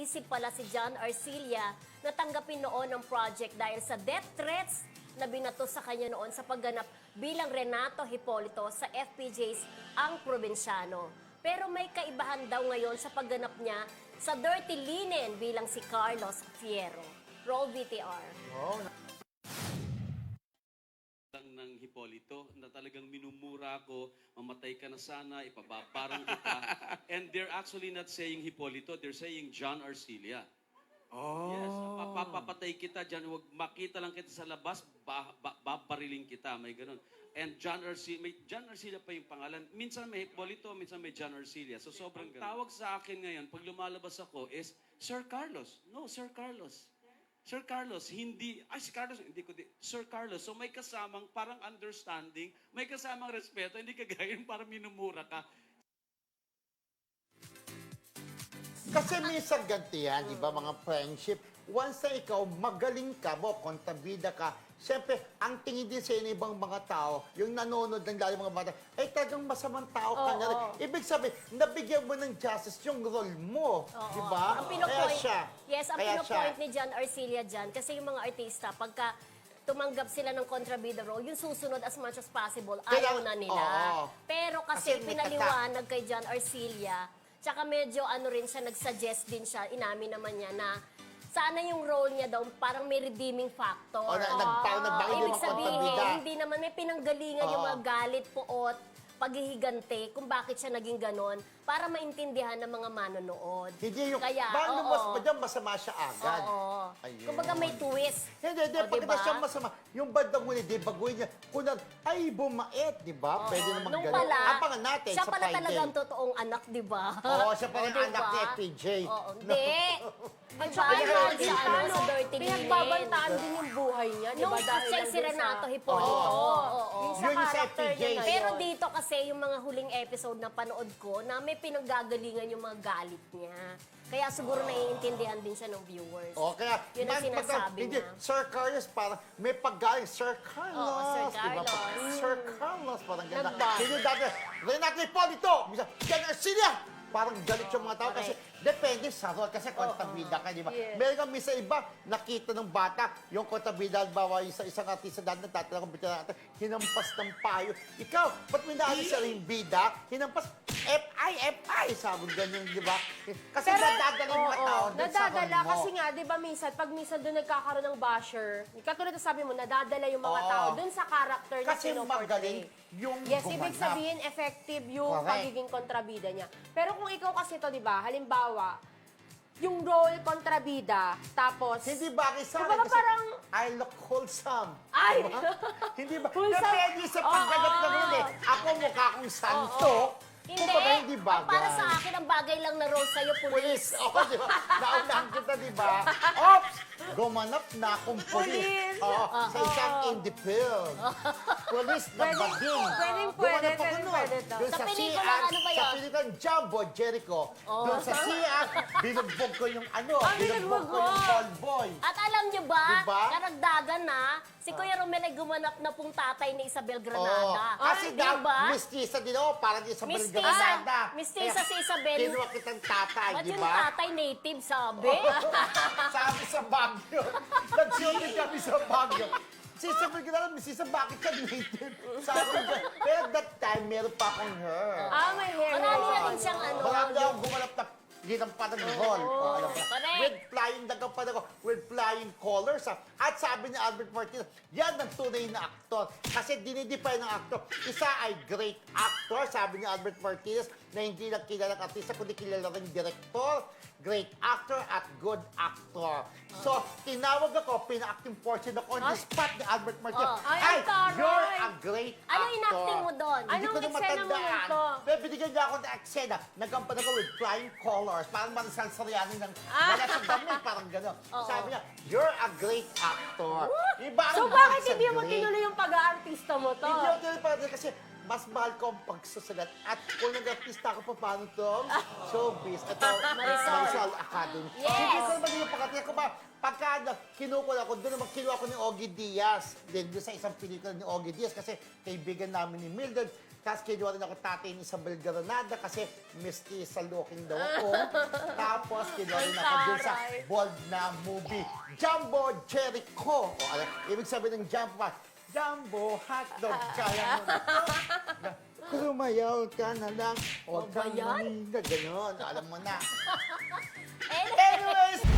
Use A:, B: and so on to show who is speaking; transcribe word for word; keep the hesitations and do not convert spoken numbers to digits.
A: naisip pala si John Arcilla na tanggapin noon ang project dahil sa death threats na binato sa kanya noon sa pagganap bilang Renato Hipolito sa F P J's Ang Probinsyano. Pero may kaibahan daw ngayon sa pagganap niya sa Dirty Linen bilang si Carlos Fierro. Roll V T R.
B: Oh,
C: lang ng Hipolito na talagang minumura ko, mamatay ka na sana, ipababarang kita. And they're actually not saying Hipolito, they're saying John Arcilla.
B: oh.
C: Yes, papapatay kita dyan, huwag makita lang kita sa labas, ba, ba, babariling kita, may ganun. And John Arcilla, may John Arcilla pa yung pangalan. Minsan may Hipolito, minsan may John Arcilla. So sobrang ganun. Tawag sa akin ngayon, pag lumalabas ako, is Sir Carlos. No, Sir Carlos. Sir Carlos, hindi, ay si Carlos, hindi ko di, Sir Carlos, so may kasamang parang understanding, may kasamang respeto, hindi kagaya yung parang minumura ka.
B: Kasi minsan ganti yan, di ba, mga friendship. Once na ikaw, magaling ka mo, kontabida ka, siyempre, ang tingin din sa inyo ibang mga tao, yung nanonood ng lalo mga bata, eh talagang masamang tao ka
A: Oo,
B: na rin.
A: oo.
B: Ibig sabihin, nabigyan mo ng justice yung role mo,
A: Oo.
B: di ba?
A: Ang
B: Kaya
A: pinopoint,
B: siya.
A: yes, ang
B: Kaya
A: pinopoint
B: siya.
A: ni John Arcilla dyan, kasi yung mga artista, pagka tumanggap sila ng kontrabida role, yung susunod as much as possible, ayaw
B: Kailangan-
A: na nila.
B: oo.
A: Pero kasi,
B: Kasi may
A: pinaliwanag kay John Arcilla, tsaka medyo ano rin siya, nagsuggest din siya, inamin naman niya na sana yung role niya daw parang may redeeming factor.
B: O, na, nag, parang nagbakit yung
A: Ibig
B: mga
A: sabihin,
B: kontabida.
A: hindi naman may pinanggalingan yung
B: Oo.
A: mga galit, puot, paghihigante, kung bakit siya naging ganon, para maintindihan ng mga manonood.
B: Hindi yung,
A: Kaya,
B: paano
A: oo.
B: mas pa dyan, masama siya agad.
A: Oo.
B: Ayun.
A: Kumbaga may twist.
B: Hindi, hindi.
A: O,
B: Pagkita
A: diba?
B: siya masama, yung bandang huli, di baguhin niya, kunang, ay, bumait, di ba? Pwede naman
A: Nung
B: ganun.
A: pala,
B: Abangan natin
A: siya
B: sa
A: pala
B: Friday.
A: talagang totoong anak, di ba?
B: Oo, siya pala
A: O,
B: yung anak ni F P J.
A: Oo, hindi.
D: At
A: Diba,
D: saka
A: yun
D: imagine
A: sa,
D: ka,
A: ano,
D: no?
A: sa Dirty Linen.
D: Pinagbabantaan din yung buhay niya, di
A: Nung
D: ba? Dahil
A: siya
D: lang
A: si
D: dun sa-
A: Renato Hipolito.
D: Oo.
A: Oo, oo.
D: Yung sa
B: Yun yung sa
D: character
B: F P J.
D: niya ngayon.
A: Pero dito kasi yung mga huling episode na panood ko na may pinanggagalingan yung mga galit niya. Kaya siguro naiintindihan din siya ng viewers.
B: O, kaya,
A: Yun ang
B: man-
A: sinasabi
B: hindi,
A: niya.
B: Sir Carlos, parang may paggaling, Sir Carlos.
A: Oo, Sir
B: di ba?
A: Carlos.
B: Sir Carlos, parang ganda.
D: Nagbago.
B: Sino dati, Renato Hipolito, bisa, Jan Arcilla. Parang galit yung mga tao kasi depende sa role, kasi kontabida ka, di ba?
D: Yes.
B: Meron kang misa iba, nakita ng bata, yung kontabida, halimbawa, yung sa isang artista dahil nagtatanong kung bita natin, hinampas ng payo. Ikaw, ba't may naalis sa ring bida? Hinampas, F I, F I, sabi ganyan, di ba? Kasi nadadala yung mga
D: oo,
B: tao dun sa
D: nadadala
B: role mo.
D: kasi nga, di ba minsan, pag minsan doon nagkakaroon ng basher, katulad na sabi mo, nadadala yung mga
B: Oo.
D: tao doon sa character na
B: Kasi magaling
D: pinoportray.
B: yung
D: Yes, ibig
B: gumanap.
D: sabihin, effective yung
B: Correct.
D: pagiging kontrabida niya. Pero kung ikaw kasi to, di ba, halimbawa, yung role kontrabida, tapos...
B: Hindi bagay sa akin
D: Kumbaga
B: kasi
D: parang-
B: I look wholesome.
D: Ay!
B: Diba? Hindi ba?
D: Wholesome.
B: Depende sa pagganap
D: Oo.
B: ng huli. Ako mukha akong santo.
A: Hindi.
B: Kumbaga, hindi bagay.
A: Ang para sa akin, ang bagay lang na role sa'yo,
B: Police.
A: police.
B: Oo, di ba? Naunahan kita, di ba? Ops! Gumanap na akong police.
D: Police.
B: Oo, sa isang indie film. Police na
D: Pwedeng-
B: bading.
D: pwedeng pwede,
B: Gumanap ako
D: pwedeng
B: nun.
D: pwede to.
B: Doon
A: Sa pelikula,
B: C R,
A: ano ba
B: Sa
A: yun?
B: pelikula Jumbo, Jericho. Doon sa C R, binugbog ko yung ano,
D: Ah,
B: binugbog ko yung
D: binugbog mo.
B: call boy.
A: At alam nyo ba,
B: Diba?
A: karagdagan na, si Kuya Romel ay gumanap na pong tatay ni Isabel
B: Oo.
A: Granada.
B: Kasi
A: Ay,
B: daw,
A: diba?
B: mistisa din ako, parang di sa
A: Mistisa.
B: Belgrada.
A: Mistisa si Isabel.
B: Kinuha kitang tatay,
A: Ba't
B: di
A: yung
B: ba?
A: tatay native, sabi?
B: Sabi sa Baguio. Nag-shooting kami sa Baguio. Si Isabel Granada, mistisa, bakit ka native? Sabi ko, pero that time, meron pa akong hair.
D: Ah, may hair.
A: Marami na
D: hair.
A: rin siyang ano.
B: Marami na akong gumanap na ginampan ng hall. Oh, alam mo.
A: Correct.
B: With flying dagapan ako, with flying colors. Ha? At sabi ni Albert Martinez, yan ang tunay na aktor. Kasi dinidefine ng aktor. Isa ay great actor, sabi ni Albert Martinez, na hindi lang kilalang artista, kundi kilala rin director, great actor, at good actor. So, tinawag ako, pina-acting portion ako on the spot ni Albert Martinez.
A: Oh.
D: Ay,
B: Ay,
D: ang taray!
B: you're a great
A: Ano
B: actor.
A: inacting mo doon?
B: Hindi
D: Anong
B: ko na
D: eksena mo
B: matandaan.
D: nito?
B: Pero binigyan niya ako ng eksena. Nagampan ako with flying colors. Parang Marisol Soriano ng
D: Ah.
B: wala sa damit. Parang gano'n. Sabi niya, you're a great actor. Iba ang
D: So
B: good
D: bakit
B: sa
D: hindi mo
B: great.
D: tinuloy yung pag-aartista mo to?
B: Hindi ako tinuloy pa kasi mas mahal ko ang pagsusulat. At kung nag-artista ako pa, paano to? Showbiz. Ito,
A: Marisol.
B: Marisol Academy.
A: Yes.
B: Hindi ko naman yung pagkatingin ko ba, pagka barkada, kinukuha ko, doon naman kinuha ko ni Ogie Diaz. Then doon sa isang pelikula ni Ogie Diaz kasi kaibigan namin ni Mildred. Tapos kinuha rin ako tatay ni Isabel Granada kasi mestiza looking daw ako. Tapos kinuha rin ako doon sa
D: Taray.
B: bold na movie, Jumbo Jericho. O, alam, ibig sabihin ng Jumbo, Jumbo hotdog, kaya mo na to. Lumayaw ka na lang. Huwag
A: O ba
B: kang
A: yan?
B: maninda. Ganon, alam mo na.
A: Eh,
B: Anyways,